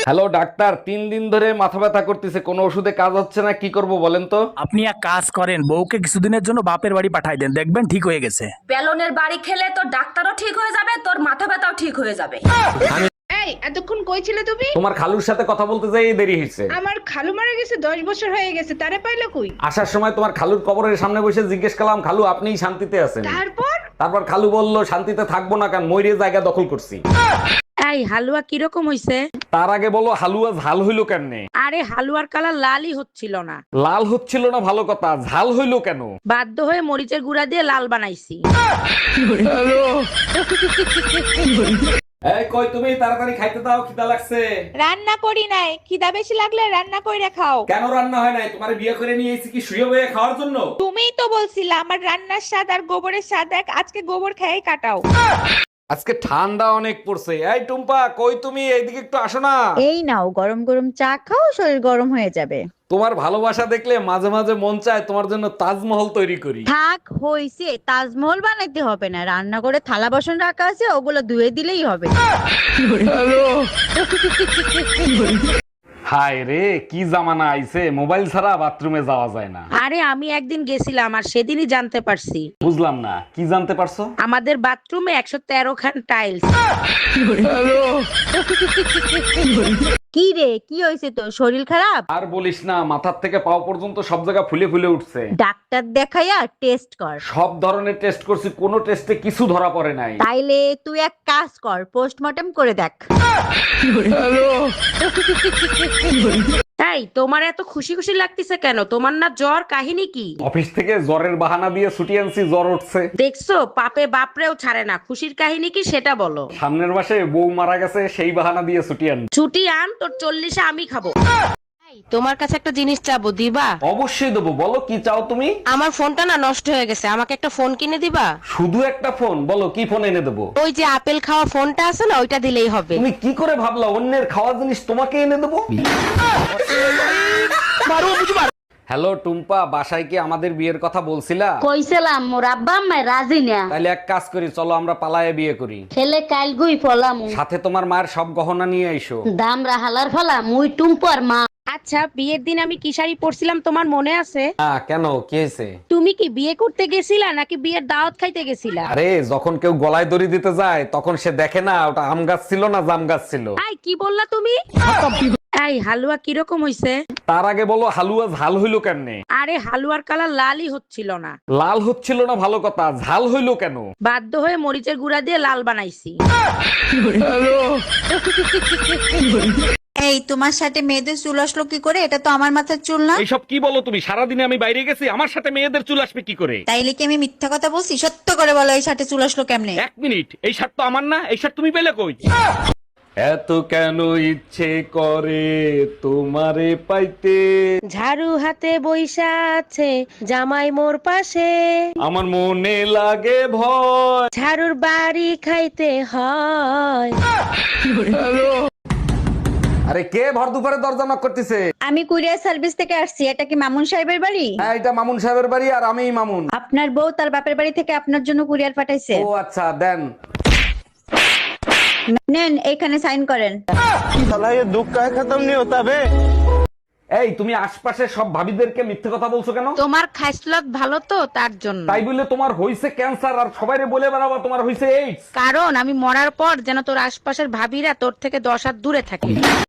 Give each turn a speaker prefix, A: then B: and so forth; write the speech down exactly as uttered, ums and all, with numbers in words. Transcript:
A: Hello doctor, তিন দিন ধরে মাথা ব্যথা করতেছে, কোনো ওষুধে কাজ হচ্ছে না, কি করব বলেন তো?
B: আপনি এক কাজ করেন, বউকে কিছুদিনের জন্য বাপের বাড়ি পাঠাই দেন, দেখবেন ঠিক হয়ে গেছে।
C: বেলনের বাড়ি খেলে তোর ডাক্তারও ঠিক হয়ে যাবে, তোর মাথা ব্যথাও ঠিক হয়ে যাবে।
D: এই এতক্ষণ কই ছিলে তুমি?
A: তোমার খালুর সাথে কথা বলতে যাই দেরি হয়েছে।
D: আমার খালু মারা গেছে, দশ বছর হয়ে গেছে, তারে পাইলো কই?
A: আসার সময় তোমার খালুর কবরের সামনে বসে জিজ্ঞেস করলাম, খালু আপনিই শান্তিতে আছেন?
D: তারপর
A: তারপর খালু বলল, শান্তিতে থাকবো না কেন, ময়ূরে জায়গা দখল করছি।
E: এই হালুয়া কিরকম হইছে?
A: তার আগে বলো হালুয়া ঝাল হইলো কেমনে?
E: আরে হালুয়ার কালার লালই হচ্ছিল না।
A: লাল হচ্ছিল না ভালো কথা, ঝাল হইলো কেন?
E: বাধ্য হয়ে মরিচের গুঁড়া দিয়ে লাল বানাইছি।
A: এই কই তুমি, তাড়াতাড়ি খাইতে দাও, খিদা লাগছে।
D: রান্না করি নাই, খিদা বেশি লাগলে রান্না কইরা খাও।
A: কেন রান্না হয় নাই? তোমার বিয়ে করে নিয়ে এসেছি কি শুয়ে বয়ে খাওয়ার জন্য?
D: তুমিই তো বলছিলা আমার রান্নার স্বাদ আর গোবরের স্বাদ এক, আজকে গোবর খেয়ে কাটাও।
A: আজকে ঠান্ডা অনেক পড়ছে। এই টুম্পা কই তুমি, এইদিকে একটু আসো না।
F: এই নাও গরম গরম চা খাও, শরীর গরম হয়ে যাবে।
A: তোমার ভালোবাসা দেখলে মাঝে মাঝে মন চায় তোমার জন্য তাজমহল তৈরি করি।
F: থাক হইছে, তাজমহল বানাইতে হবে না, রান্না করে থালা বাসন রাখা আছে, ওগুলো ধুয়ে দিলেই হবে।
A: হায় রে, কি জামানা আইছে, মোবাইল ছাড়া বাথরুমে যাওয়া যায় না।
E: আরে আমি একদিন গেছিলাম আর সেদিনই জানতে পারছি
A: বুঝলাম না, কি জানতে পারছো?
E: আমাদের বাথরুমে একশো তেরো খান টাইলস।
F: কি রে, কি হয়েছে তোর, শরীর খারাপ?
A: আর বলিস না, মাথার থেকে পাও পর্যন্ত সব জায়গা ফুলে ফুলে উঠছে।
F: ডাক্তার দেখাইয়া টেস্ট কর।
A: সব ধরনের টেস্ট করছি, কোনো টেস্টে কিছু ধরা পড়ে নাই।
F: তাইলে তুই এক কাজ কর, পোস্টমর্টম করে দেখ।
E: তাই তোমার এত খুশি খুশি লাগতেছে কেন? তোমার না জ্বর, কাহিনী কি?
A: অফিস থেকে জ্বরের বাহানা দিয়ে ছুটি আনছি, জ্বর উঠছে।
E: দেখছো পাপে বাপরেও ছাড়ে না, খুশির কাহিনী কি সেটা বলো।
A: সামনের মাসে বউ মারা গেছে, সেই বাহানা দিয়ে ছুটি আন।
E: ছুটি আন, তোর চল্লিশে আমি খাবো। তোমার কাছে একটা জিনিস চাবো, দিবা?
A: অবশ্যই দেবো, বলো কি চাও তুমি?
E: আমার ফোনটা না নষ্ট হয়ে গেছে, আমাকে একটা ফোন কিনে দিবা?
A: শুধু একটা ফোন? বলো কি ফোন এনে দেবো।
E: ওই যে আপেল খাওয়া ফোনটা আছে না, ওইটা দিলেই হবে।
A: তুমি কি করে ভাবলা অন্যের খাওয়া জিনিস তোমাকে এনে দেবো? হ্যালো টুম্পা, বাসায় কি আমাদের বিয়ের কথা বলছিলা?
G: কইছিলাম মোর আব্বা আম্মা রাজি না।
A: তাহলে এক কাজ করি, চলো আমরা পালায়ে বিয়ে করি।
G: ছেলে কাল গুই ফলাম,
A: সাথে তোমার মায়ের সব গহনা নিয়ে আইসো।
G: দাম রাহালার ফলা মুই টুম্পর মা।
E: আচ্ছা, বিয়ের দিন আমি কি শাড়ি পরছিলাম তোমার মনে আছে?
A: হ্যাঁ, কেন কি হয়েছে?
E: তুমি কি বিয়ে করতে গেছিলা নাকি বিয়ের দাওয়াত খাইতে গেছিলা?
A: আরে যখন কেউ গলায় দড়ি দিতে যায় তখন সে দেখে না ওটা আম গাছ ছিল না জাম গাছ ছিল।
E: এই কি বললা তুমি? এই হালুয়া কিরকম হইছে?
A: তার আগে বলো হালুয়া ঝাল হইলো কেমনে?
E: আরে হালুয়ার কালার লালই হচ্ছিল না।
A: লাল হচ্ছিল না ভালো কথা, ঝাল হইলো কেন?
E: বাধ্য হয়ে মরিচের গুঁড়া দিয়ে লাল বানাইছি।
F: এই তোমার সাথে মেয়েদের চুল আসলো কি করে? এটা তো আমার মাথার চুল না।
A: এইসব কি বলো তুমি? সারাদিনে আমি বাইরে গেছি, আমার সাথে মেয়েদের চুল আসবে কি করে?
F: তাইলে কি আমি মিথ্যা কথা বলছি? সত্য করে বলো, এই সাথে চুল আসলো কেমনে?
A: এক মিনিট, এই শার্ট তো আমার না, এই শার্ট তুমি পেলে কই? এত কেন ইচ্ছে করে তোমারে পাইতে,
E: ঝাড়ু হাতে বইসা আছে জামাই মোর পাশে,
A: আমার মনে লাগে ভয়।
E: ঝাড়ুর বাড়ি খাইতে হয়।
A: আরে কে ভর দুপুরে দরজা নক করতেছে?
F: আমি কুরিয়ার সার্ভিস থেকে আসছি। এটা কি মামুন সাহেবের বাড়ি?
A: হ্যাঁ, এটা মামুন সাহেবের বাড়ি, আর আমিই মামুন।
F: আপনার বউ তার বাপের বাড়ি থেকে আপনার জন্য কুরিয়ার পাঠাইছে।
A: ও আচ্ছা, দেন।
F: নেন, এখানে সাইন করেন।
A: এই তুমি আশপাশে সব ভাবিদেরকে মিথ্যে কথা বলছো কেন?
E: তোমার খাইসলত ভালো তো, তার জন্য।
A: তাই বলে তোমার হইছে ক্যান্সার আর সবাইরে বলে বেড়াবা তোমার হইছে এইডস?
E: কারণ আমি মরার পর যেন তোর আশপাশের ভাবিরা তোর থেকে দশ হাত দূরে থাকে।